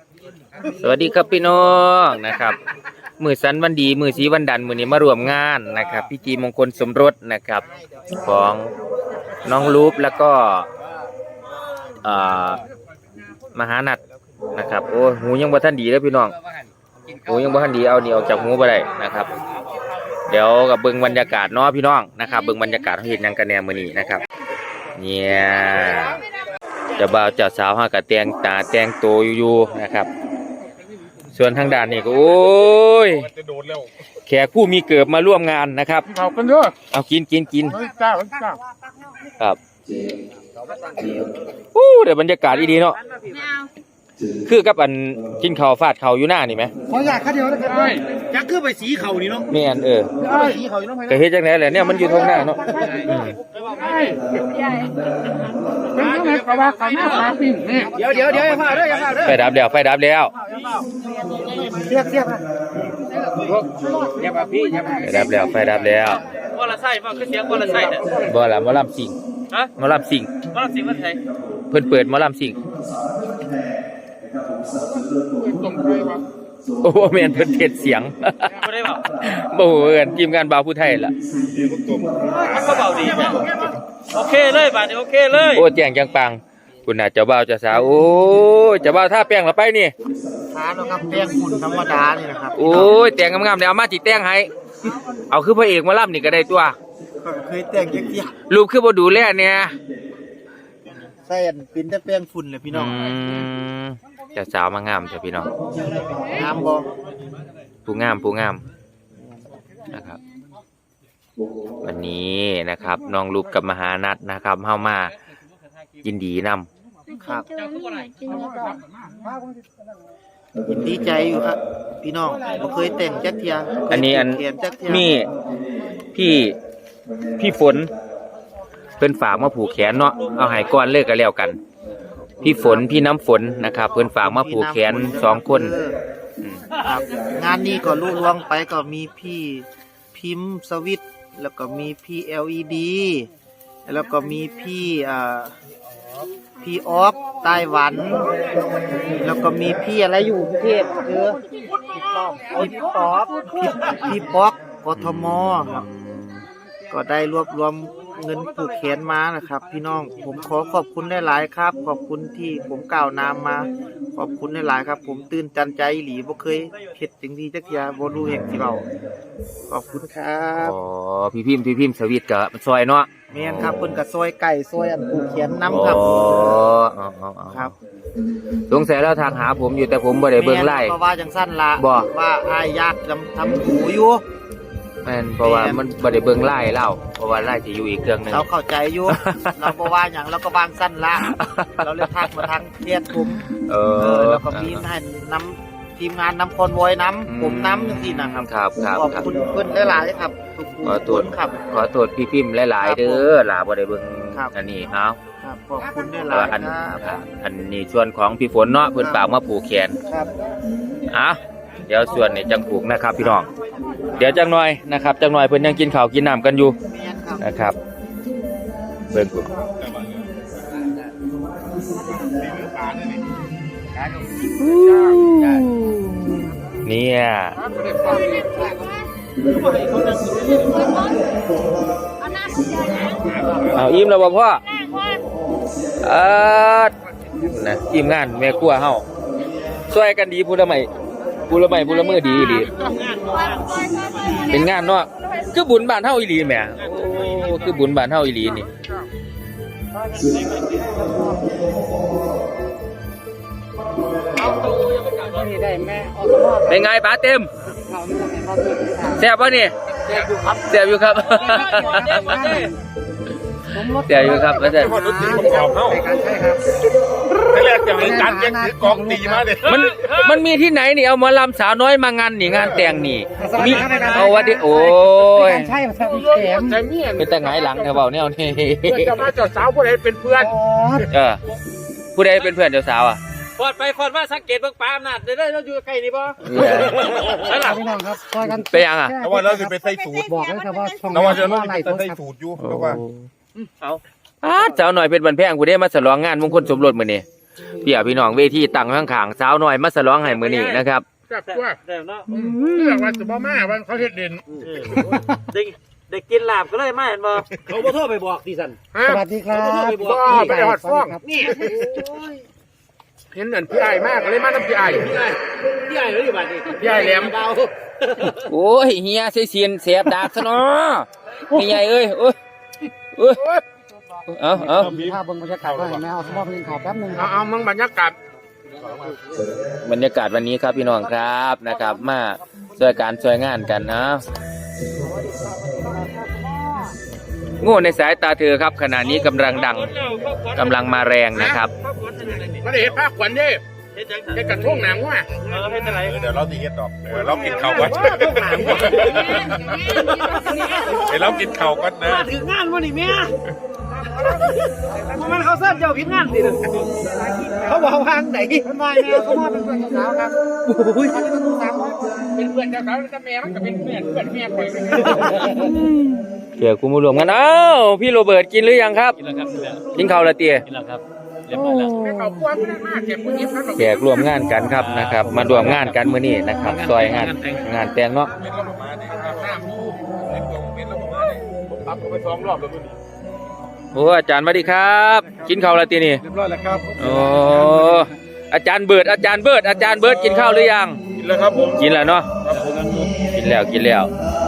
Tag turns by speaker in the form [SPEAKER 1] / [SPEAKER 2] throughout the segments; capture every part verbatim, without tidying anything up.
[SPEAKER 1] สวัสดีครับพี่น้องนะครับมือสันวันดีมือสีวันดันมือนี้มารวมงานนะครับพิธีมงคลสมรสนะครับของน้องลูปแล้วก็มหานัดนะครับโอ้หูยังบ่ทันดีแล้วพี่น้องหูยังบ่ทันดีเอานี่ออกจากหูไปได้นะครับเดี๋ยวกับเบิ่งบรรยากาศเนาะพี่น้องนะครับเบิ่งบรรยากาศเขาเห็นยังกันแนวมือนี้นะครับเนี่ยเจ้าบ่าวเจ้าสาวฮะกับแต่งตาแต่งโตอยู่ๆนะครับส่วนทางด้านนี้ก็โอ้ยแขกผู้มีเกิดมาร่วมงานนะครับ
[SPEAKER 2] เอากันเด้อ
[SPEAKER 1] เอากินกินกิน
[SPEAKER 2] จ้าจ้า
[SPEAKER 1] ครับอู้เดี๋ยวบรรยากาศดีๆเนาะคือกับอันกินข้าวฟาดข้าวอยู่หน้านี่ไหม
[SPEAKER 2] ขออยากข้าเดียวนะครับยักษ์คือไปสีเข่านี่เนาะ
[SPEAKER 1] แม่นเออ
[SPEAKER 2] สีเข่าอยู่เนาะ
[SPEAKER 1] ก็เฮ็ดจังได๋แหละเนี่ยมันอยู่ตรงหน้าเนาะ
[SPEAKER 2] เป็นยังไงก็ว่ากันหน้าตาปิ้งนี่เดี๋ยวเดี๋ยวเดี๋ยวอย่าพลาดเด้ออย่าพลาดเด้อ
[SPEAKER 1] ไฟดับแล้วไฟดับแล้ว
[SPEAKER 2] เรียกเรียกอย่ามาพี่อย่ามา
[SPEAKER 1] ไฟดับแล้วไฟดับแล้ว
[SPEAKER 3] บ่ละไส้บ่คือเสียงบ่ละไส้เนี่ย
[SPEAKER 1] บ่ล่ะหมอลำสิง
[SPEAKER 3] ฮะ
[SPEAKER 1] หมอลำสิง
[SPEAKER 3] หมอลำสิงมันไส
[SPEAKER 1] เพิ่นเปิดหมอลำสิงโอ้แม่นเพิ่นเทศเสียง
[SPEAKER 3] บ่ได้บ่
[SPEAKER 1] บ่ฮู้เอิ้นทีมงานบ่าวผู้ไทยล่ะ
[SPEAKER 3] มันก็เบาดีแม่โอเคเลยบาดนี้โอเคเลย
[SPEAKER 1] โอ้แจ้งจังปังคุณน่ะเจ้าบ่าวเจ้าสาวโอ้ยเจ้าบ่าวท่าแป้งละไปนี่
[SPEAKER 2] ทาแล้วครับแป้งฝุ่นธรรมดานี่นะครับ
[SPEAKER 1] โอ้ยแต่งงามๆเดี๋ยวเอามาจิแต่งให้เอาคือพระเอกมาล่ำนี่ก็ได้ตัว
[SPEAKER 2] เคยแต่งจักเที่ย
[SPEAKER 1] ลูกคือบ่ดูแลเนี่ย
[SPEAKER 2] ใส่อันเป็นแต่แป้งฝุ่นเลยพี่น้อง
[SPEAKER 1] เจ้าสาวมางามเจ้าพี่น้อง
[SPEAKER 2] งามบ่
[SPEAKER 1] ผู้งามผู้งามนะครับวันนี้นะครับน้องลูกกับมหานัดนะครับเฮามายินดีนำ
[SPEAKER 2] ครับยินดีใจอยู่ครับพี่น้องบ่เคยแต่งจักเที่ย
[SPEAKER 1] อันนี้อันมีพี่พี่ฝนเพิ่นฝากมาผูกแขนเนาะเอาให้ก่อนเลิกกันแล้วกันพี่ฝนพี่น้ำฝนนะครับเพิ่นฝากมาผูกแขนสองคน
[SPEAKER 2] ครับงานนี้ก็ลุล่วงไปก็มีพี่พิมพ์สวิตแล้วก็มีพี่ แอล อี ดี แล้วก็มีพี่อ่าพี่ออฟไต้หวันแล้วก็มีพี่อะไรอยู่ประเทศคือพี่ป๊อกพี่ป๊อกพี่ป๊อกกทมครับก็ได้รวบรวมเงินผูกแขนมานะครับพี่น้องผมขอขอบคุณได้หลายครับขอบคุณที่ผมกล่าวนามมาขอบคุณได้หลายครับผมตื่นตันใจหลีบ่เคยเฮ็ดจังดีจักอย่างบ่รู้เฮ็ดสิเว้าขอบคุณครับ
[SPEAKER 1] อ๋อพี่พิมพ์พี่พิมพ์สวิตก็ซอยเนาะ
[SPEAKER 2] แม่นครับเพิ่นก็ซอยไก่ซอยอันผูกแขนนำครับ
[SPEAKER 1] อ๋อครับสงสัยแล้วทางหาผมอยู่แต่ผมบ่ได้เบิ่งไล่
[SPEAKER 2] เพราะว่าจังซั่นล่ะว่าอ้ายอยากทำทำหูอยู่
[SPEAKER 1] แม่นเพราะว่ามันบ่ได้เบิ่งไล่เล่าเพราะว่าไล่สิอยู่อีกเครื่องนึง
[SPEAKER 2] เราเข้าใจอยู่เราบ่ว่าหยังเราก็วางสั้นละเราเลยทักมาทางเทียดผมเออแล้วก็มีให้นำทีมงานนำคอนวอยนำผมนำจังซี่นะครับ
[SPEAKER 1] ครับครับ
[SPEAKER 2] ขอบคุณเพิ่นหลายๆครับทุกคนครับ
[SPEAKER 1] ขอโทษพี่พิมพ์หลายๆเด้อล่ะบ่ได้เบิ่งอันนี้เฮา
[SPEAKER 2] ครับขอบคุณหลายๆครับ
[SPEAKER 1] อันนี้ส่วนของพี่ฝนเนาะเพิ่นฝากมาผูกแขน
[SPEAKER 2] ครับ
[SPEAKER 1] อ่ะเดี๋ยวส่วนนี้จังผูกนะครับพี่น้องเดี๋ยวจังหน่อยนะครับจังหน่อยเพิ่นยังกินข้าวกินน้ำกันอยู่นะครับเบิ่งกูเนี่ยเอาอิ่มแล้วบ่พ่อเออนะทีมงานแม่ครัวเฮาช่วยกันดีพูดละไม่พูดละไม่พูดละมือดีดีเป็นงานเนาะคือบุญบ้านเฮาอีหลีแหมโอ้คือบุญบ้านเฮาอีหลีนี่เป็นไงป๋าเต็มแซ่บป่ะนี่แซ่บอยู่ครับแซ่บอยู่ครับอาจารย์
[SPEAKER 2] แรกจะเป็นการแข่งขันกองตีมาเลย
[SPEAKER 1] มันมันมีที่ไหนนี่เอามาลำสาวน้อยมางานนี่งานแต่งนี่มีเอาวัดดิโอ้ย
[SPEAKER 2] ใช่ครับพี่แขม
[SPEAKER 1] เป็นแต่ไงหลังเธอเบาเนี่ยนี่
[SPEAKER 2] จะมาเจ้าสาวผู้ใดเป็นเพื่อน
[SPEAKER 1] เออผู้ใดเป็นเพื่อนเจ้าสาวอ่ะ
[SPEAKER 3] ฟอดไปฟอดมาสังเกตเบิ่งปลาอำนาจได้เราอยู่ใกล้นี่บ่
[SPEAKER 2] ใช่ล่ะพี่น้องครับซอยกัน
[SPEAKER 1] ไปยังอ่ะ
[SPEAKER 4] แต่ว่าเราจะไปใส่สูตร
[SPEAKER 2] บอกเลยครับว่าช่อง
[SPEAKER 4] เราจะเราจะใส่สูตรอยู่เพราะว่า
[SPEAKER 1] เอาอ้าสาวหน่อยเป็นบันแพงกูได้มาฉลองงานมงคลสมรสมื้อนี้เพี่ยพี่น้องเวทีตั้งข้างๆสาวน้อยมาฉลองให้มื้อนี้นะครับ
[SPEAKER 4] แซ่บตัว
[SPEAKER 3] แต่เนาะ
[SPEAKER 4] เรื่องว่าจะบ่มาวันเขาเฮ็ดเด่น
[SPEAKER 3] เด็กเด็กกินลาบก็เลยมาเห็นบ่เขาบ่โทรไปบอกดิสัน
[SPEAKER 4] ฮะ
[SPEAKER 2] สวัสดีครับ
[SPEAKER 4] บ่ไปหอดฟ้องนี่เห็นเหมือนพี่ไอ้มากเลยมาน้ำพี่ไอ้
[SPEAKER 3] พี่ไอ้พี่ไอ้เลยอยู่บ้านนี่
[SPEAKER 4] พี่ไอ้แหลม
[SPEAKER 3] เบา
[SPEAKER 1] โอ้ยเฮียเสียเสียนเสียบดากซะเนาะพี่ใหญ่เอ้ยโอ้ยโอ้ยเอาเอา
[SPEAKER 2] ภาพบนบรรยากาศก็เห็นไหมเอาสมองเพลงข่าวแป๊บนึงค
[SPEAKER 4] เอา
[SPEAKER 2] รับ
[SPEAKER 4] เอามึงบรรยากาศ
[SPEAKER 1] บรรยากาศวันนี้ครับพี่น้องครับนะครับ มาช่วยการช่วยงานกันนะโง่ในสายตาเธอครับขณะนี้กำลังดังกำลังมาแรงนะครับ
[SPEAKER 4] มาได้เห็นภาคขวัญเด้
[SPEAKER 3] เฮ็ดจัง
[SPEAKER 4] เฮ็ดกระทุ่งหนังว่ะ
[SPEAKER 3] เออเฮ็ดอะไร
[SPEAKER 5] เดี๋ยวเราตีเฮ็ดดอกเดี๋ยวเรากินข้าวก่อนเดี๋ยวเรากินข้าวก่อนนะ
[SPEAKER 3] มาถึงงานวันนี้แม่มันเขาเสิร์ฟเจ้าผิดงานดิเขาบอกวางไหน
[SPEAKER 2] เป็นไงแม่เขามาเป็นเพื่อนสาวครับโอ้ยเขาจะต้องสามร้อย
[SPEAKER 4] เป็นเพื่อนเจ้าสาวแล้วก็แม่มันก็เป็นเพื่อนเพื่อนแม่ไป
[SPEAKER 1] เดี๋ยวกูมารวมกันเอ้าพี่โรเบิร์ตกินหรือยังครับ
[SPEAKER 3] กินแล้วครับกินแล้ว
[SPEAKER 1] กินข้าวและเตี้ย
[SPEAKER 3] กินแล้วครับเรียบร้อยแล้ว
[SPEAKER 4] แม่เขากลัวไม่ได้มากแกผู้หญิงเขา
[SPEAKER 1] แขกร่วมงานกันครับนะครับ มารวมงานกันมื้อนี้นะครับซอยงานงานแต่งเนาะ
[SPEAKER 4] เป็นระบบมาเนี่ยน้ำดูเป็นตัวเป็นระบบมาเนี่ยผมตับไปสองรอบแล้วมึง
[SPEAKER 1] โอ้อาจารย์สวัสดีครับ กินข้าวและเตี้ยนี่
[SPEAKER 4] เรียบร้อยแล้วครับ
[SPEAKER 1] โอ้อาจารย์เบิร์ดอาจารย์เบิร์ดอาจารย์เบิร์ดกินข้าวหรือยัง
[SPEAKER 4] กินแล้วครับผม
[SPEAKER 1] กินแล้วเนาะกินแล้วกินแล้ว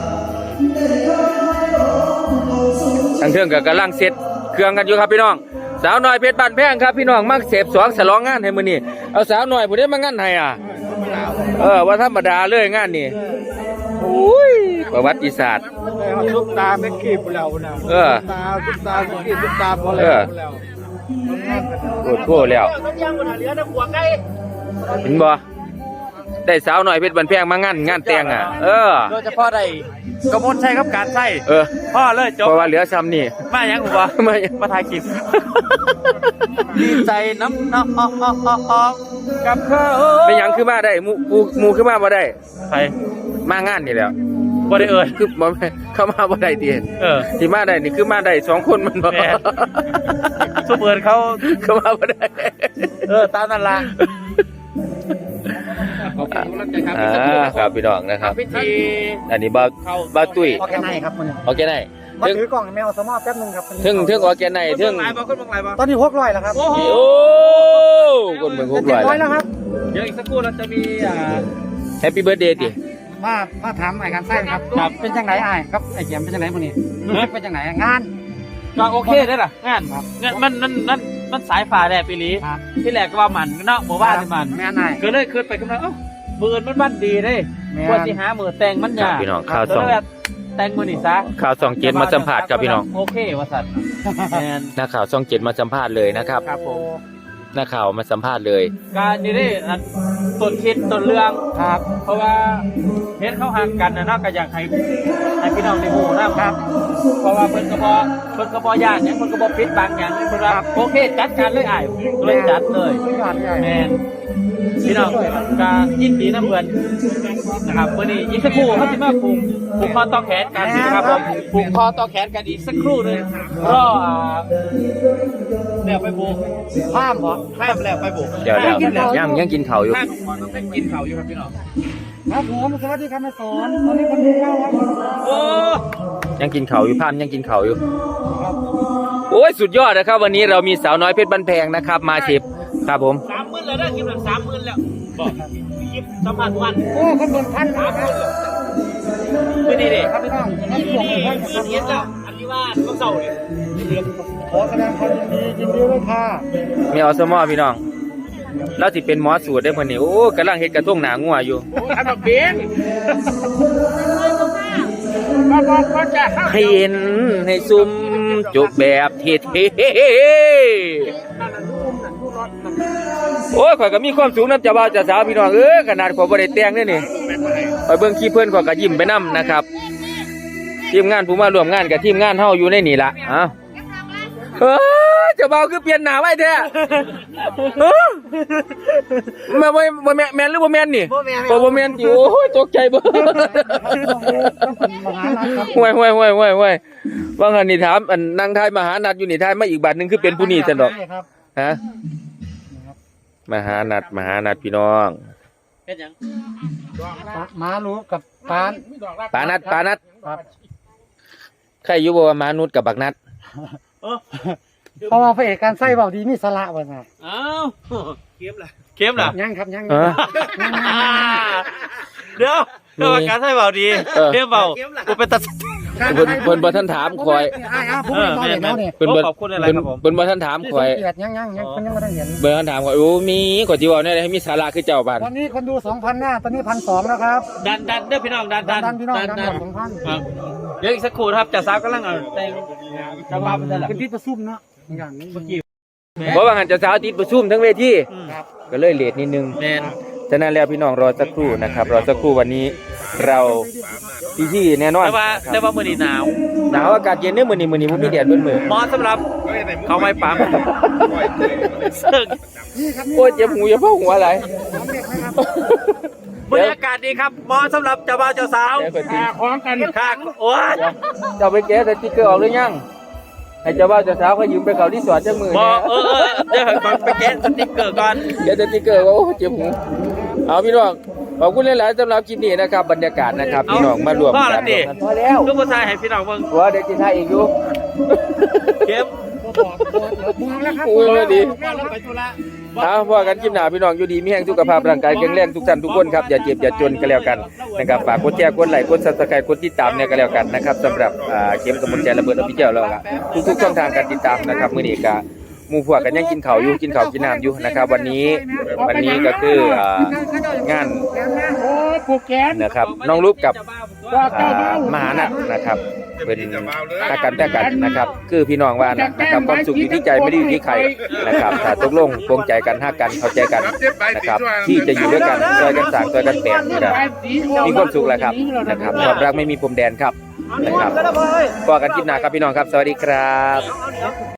[SPEAKER 1] ทางเทิงกับกำลังเสร็จเครื่องกันอยู่ครับพี่น้องสาวน้อยเพชรบ้านแพงครับพี่น้องมักเสพสองฉลองงานให้มื้อนี้เอาสาวน้อยผู้ใดมางานให้อ่ะเออว่าธรรมดาเลยงานนี้อุ้ยประวัติศาสตร์
[SPEAKER 2] ซุปตาไม่ขีบแล้วนะ
[SPEAKER 1] เออ
[SPEAKER 2] ตาซุปตาไม่ขีบซุปตาพอ
[SPEAKER 1] เอ
[SPEAKER 2] แล้ว
[SPEAKER 1] อโคตรโคตรแล้ว
[SPEAKER 3] ต้มยำบนเหลือน้ำหัวไก่
[SPEAKER 1] เห็นบ่ได้สาวน้อยเพชรบ้านแพงมางานงานแต่งอ่ะเออ
[SPEAKER 3] โดยเฉพาะได้กระมวลใช้ครับการใช้
[SPEAKER 1] เออ
[SPEAKER 3] พ่อเลยจบ
[SPEAKER 1] เพราะว่าเหลือซ้ำนี่
[SPEAKER 3] มายังกูบ่
[SPEAKER 1] ไม่
[SPEAKER 3] มาถ่ายคลิปดีใจน้ำน้องกับเขา
[SPEAKER 1] เป็นหยังคือมาได้หมูหมูหมูคือมาบ่ได้
[SPEAKER 3] ไป
[SPEAKER 1] มางานนี่แหล้ว
[SPEAKER 3] บ่ได้เอ่ย
[SPEAKER 1] คือบ่แม่นเข้ามาบ่ได้ติ
[SPEAKER 3] เออ
[SPEAKER 1] ที่มาได้นี่คือมาได้สองคนมันบ่
[SPEAKER 3] แม่ สุเปิดเขา
[SPEAKER 1] เข้ามาบ่ได้
[SPEAKER 3] เออตามนั่นล่ะ
[SPEAKER 1] อ่าครับพี่น้องนะครับ
[SPEAKER 3] พิธี
[SPEAKER 1] อันนี้บ่าวบ่าวตุ้ย
[SPEAKER 2] ออกแค่ไหนครับมัน
[SPEAKER 1] โอเคได้
[SPEAKER 2] มา
[SPEAKER 1] ถึง
[SPEAKER 2] ถือกล่องแมวสมอแป๊บนึงครับ
[SPEAKER 1] ถึงถึงโอเคได้ถึง
[SPEAKER 3] หลายบ่คนบางหลายบ่
[SPEAKER 2] ตอนนี้หกร้อยแล้วครับ
[SPEAKER 3] โอ้โห
[SPEAKER 1] โอ้คนเมืองหกร้อย
[SPEAKER 2] ร้อยแล้วครับ
[SPEAKER 3] เดี๋ยวอีกสักครู่เราจะมีอ่า
[SPEAKER 1] แฮปปี้เบิร์ธเดย์ติ
[SPEAKER 2] มามาถามไอ้การใส่ครับครับเป็นจังไหนไอ้ครับไอ้เขียมเป็นจังไหนมื้อนี้รู้สึกเป็นจังไหนงาน
[SPEAKER 3] ก็โอเคได้ล่ะงานงานมันมันมันมันสายฟ้าแลบปีนี้
[SPEAKER 2] ครับ
[SPEAKER 3] ที่แรกก็ว่ามันเนาะบ่ว่าที่มัน
[SPEAKER 2] แม่นาย
[SPEAKER 3] ก็เลยขึ้นไปกำลังเอ้ามือมันบ้านดีเด้
[SPEAKER 2] แม่น
[SPEAKER 3] กว่าสิหามือแต่งมัน
[SPEAKER 1] ครับ
[SPEAKER 3] ยาก
[SPEAKER 1] พี่น้องข่าว
[SPEAKER 3] ก็
[SPEAKER 1] สอง
[SPEAKER 3] เลยแบบแต่งมือนี่ซะ
[SPEAKER 1] ข่าวสองเจ็ดมาสัมภาษณ์ครับพี่น้อง
[SPEAKER 3] โอเคว่าสัตว์แมน
[SPEAKER 1] นักข่าวช่องเจ็ดมาสัมภาษณ์เลยนะครับ
[SPEAKER 3] ครับผม
[SPEAKER 1] นักข่าวมาสัมภาษณ์เลย
[SPEAKER 3] การนี่ได้อันต้นคิดต้นเรื่อง
[SPEAKER 2] ครับ
[SPEAKER 3] เพราะว่าเห็นเขาห่างกันนะเนาะก็อยากให้ให้พี่น้องในหมู่นะครับ เพราะว่าเพิ่นก็บ่เพิ่นก็บ่ย่านหยังเพิ่นก็บ่ปิดบังหยังเพิ่นว่าโอเคจัดการเลยอ้ายก็เลยจัดเลย
[SPEAKER 2] ยอดใหญ่
[SPEAKER 3] แมนพี่น้องก็ยินดีนะเพื่อนนะครับวันนี้อีกสักครู่เขาจะมาผูกผูกคอต่อแขนกันนะครับผมผูกคอต่อแขนกันอีกสักครู่หนึงรออ่าแล้วไปผูก
[SPEAKER 2] ข้ามเหรอ
[SPEAKER 3] ข้ามแล้วไปผูก
[SPEAKER 1] เดี๋ยวเดี๋ยวยังยังกินข้าวอยู่
[SPEAKER 3] ข้ามก่อนต้องไปกินข้าวอยู่ครับพี่น้อง
[SPEAKER 2] ครับผมสวัสดีครับแม่สอนตอนนี้คนดูเก้าครับ
[SPEAKER 3] โอ้
[SPEAKER 1] ยังกินข้าวอยู่พานยังกินข้าวอยู่โอ้ยสุดยอดนะครับ วันนี้เรามีสาวน้อยเพชรบันแพงนะครับ มาชิปครับผม
[SPEAKER 3] สามหมื่นแล้วได้คลิปหนึ่งสามหมื่นแล้วบอกคลิปสัมภาษณ์วัน
[SPEAKER 2] โอ้คนบนพันนะครับ
[SPEAKER 3] ไม่ดีดิ
[SPEAKER 2] ครับพี่น้อง
[SPEAKER 3] นี่นี่นี่เห็นแล้วอันนี้ว่าต้องเศร้าเลย
[SPEAKER 2] ขอแสดงความยินดียินดีด้วยค่ะ
[SPEAKER 1] มีอสมอพี่น้องเราสิเป็นหมอสูตรได้เพิ่นนี่โอ้กำลังเฮ็ดกระทงหนางัวอยู่
[SPEAKER 4] โอ้ทำแบบเบี้ยงมาบอกเขาจะเข้า
[SPEAKER 1] ให้เห็นให้ซุ่มจบแบบเท่ๆโอ้ยข่อยก็มีความสูงน้ำเจ้าบ่าวเจ้าสาวพี่น้องเอ้ยขนาดข่อยบ่ได้แต่งเด้อนี่ข่อยเบิ่งคลิปเพิ่นข่อยก็ยิ้มไปนํนะครับทีมงานผู้มาร่วมงานกับทีมงานเฮาอยู่ในนี่ล่ะอ้าวเอ้ยเจ้าบ่าวคือเปลี่ยนหน้าไว้แท้เอ้อแม่บ่บ่แม่นแม่นหรือบ่แม่นนี่บ่บ่แม่นติโอ้ยตกใจเบ่ ห่วยห่วยห่วยห่วยห่วยว่างันนี่ถามอันนางทายมหานัดอยู่นี่ทายมาอีกบาทหนึงคือเป็นผู้นี้ซั่นดอก
[SPEAKER 2] ครับ
[SPEAKER 1] ฮะมหานัดมหานัดพี่น้อง
[SPEAKER 3] เป็นหยัง
[SPEAKER 6] มารู้กับปาน
[SPEAKER 1] ปานัดปานัด
[SPEAKER 6] ครับ
[SPEAKER 1] ใครอยู่บ่ว่ามานุษย์กับบักนัด
[SPEAKER 6] เพราะว่าพระเอกการใส่เบาดีมีสละบ่น่ะ
[SPEAKER 3] อ้าวเข้มล่ะเข้มล่ะ
[SPEAKER 6] ยังครับยัง
[SPEAKER 1] เออ
[SPEAKER 3] เดี๋ยวเรื่องการใช้เบาดี
[SPEAKER 1] เออ
[SPEAKER 3] เข้มเบากูเป็นตัด
[SPEAKER 1] เพิ่นเพิ่นบ่ทันถามคอย
[SPEAKER 6] อ้ายอ้าวผมไม่เห็นเขาเนี่ย
[SPEAKER 1] เพิ่นบ่
[SPEAKER 3] ขอบคุณอะไร
[SPEAKER 1] เพิ่น
[SPEAKER 3] ครับผม
[SPEAKER 1] เพิ่นบ่ทันถามคอย
[SPEAKER 6] เกียรติยังยังยังคนยังไม่ได้เห็น
[SPEAKER 1] เบิ่งทันถามคอยโอ้มีกว่าสิเว้าแน่ให้มีสาระคือเจ้าบ้าน
[SPEAKER 6] ตอนนี้คนดูสองพันหน้าตอนนี้พันสองแล้วครับ
[SPEAKER 3] ดันดันเด้อพี่น้องดัน
[SPEAKER 6] ดั
[SPEAKER 3] ดั
[SPEAKER 6] น
[SPEAKER 3] น
[SPEAKER 6] ดันพี่น้องดัน
[SPEAKER 3] ดัน
[SPEAKER 6] สองพัน
[SPEAKER 3] ครับเดี๋ยวอีกสักครู่นะครับจ่าสาวกำลังเอาแต่งจังหวะเป็นอะไร
[SPEAKER 6] เป็นที่ประชุมเนาะอย่างนี้เมื่อกี้
[SPEAKER 1] เพราะว่าหันเจะสาวติดประชุมทั้งเวทีก็เลยเลทนิดนึง
[SPEAKER 3] แมน
[SPEAKER 1] ฉะนั้นแล้วพี่น้องรอสักครู่นะครับรอสักครู่วันนี้เราพี่ที่แน่นอน
[SPEAKER 3] แต่ว่าแต่ว่ามื้อนี้หนาว
[SPEAKER 1] หนาวอากาศเย็นเนี่ยมื้อนี้มื้อนี้บ่มีแดดเบิ่นมื้อ
[SPEAKER 3] เหมาะสำหรับเขาไม่ปั๊มซึ่ง
[SPEAKER 6] นี่ครับ
[SPEAKER 1] โอ้ยเจ็บหูอย่าเพ้าหัวอะไร
[SPEAKER 6] น้องเด็กไหมครับ
[SPEAKER 3] บรรยากาศดีครับเหมาะสำหรับเจ้าบ่าวเจ้าสาว
[SPEAKER 1] เดี๋ยวก่อนสิ
[SPEAKER 3] พร้อมกันค่ะโอ้ย
[SPEAKER 1] เจ้าไปแกะสติ๊กเกอร์ออกหรือยังให้เจ้าบ่าวเจ้าสาวเขายืมไปเขาที่สวนจังมือ
[SPEAKER 3] บ่
[SPEAKER 1] เนี่ย
[SPEAKER 3] เออเออเดี๋ยวก่อนไปแกะสติ๊กเกอร์ก่อน
[SPEAKER 1] แกะสติ๊กเกอร์ว่าโอ้เจ็บหูเอาพี่น้องขอบคุณหลายๆสำหรับคลิปนี้นะครับบรรยากาศนะครับพี่น้องมารวม
[SPEAKER 3] พ่อ
[SPEAKER 1] กั
[SPEAKER 3] ละ
[SPEAKER 1] น
[SPEAKER 3] ติ
[SPEAKER 1] พอแล้ว
[SPEAKER 3] ลูกผู้ชายให้พี่น้องเบิ่ง
[SPEAKER 1] หัวเด็กที่ไทยอีกอยู่
[SPEAKER 3] เข้ม
[SPEAKER 6] มองแล้วครับ
[SPEAKER 1] โอ้ยดี
[SPEAKER 3] ไปธุระ
[SPEAKER 1] เอาพอกันคลิปหน้าพี่น้องอยู่ดีมีแห่งสุขภาพร่างกายแข็งแรงทุกท่านทุกคนครับอย่าเจ็บอย่าจนกันแล้วกันนะครับฝากกดแชร์กดไลค์กดซับสไครต์กดติดตามเนี่ยก็แล้วกันนะครับสำหรับอ่าเข็มกำมลใจระเบิดอภิเจ้าแล้วก็ทุกๆช่องทางการติดตามนะครับมื้อนี้ก็หมู่พวกกันยังกินข้าวอยู่กินข้าวกินน้ำอยู่นะครับวันนี้วันนี้ก็คืออ่างาน
[SPEAKER 6] โอ้ยผูกแขน
[SPEAKER 1] นะครับน้องรูปกับอ่ามหานัทนะครับเป็นอากันแต่กันนะครับ คือพี่น้องว่านะนะครับความสุขอยู่ที่ใจไม่ได้อยู่ที่ใครนะครับถ้าตกลงปรงใจกันฮักกันเข้าใจกันนะครับที่จะอยู่ด้วยกันช่วยกันสร้างช่วยกันแปลงนะครับมีความสุขแหละครับนะครับความรักไม่มีพรมแดนครับนะครับพบกันคลิปหน้าครับพี่น้องครับสวัสดีครับ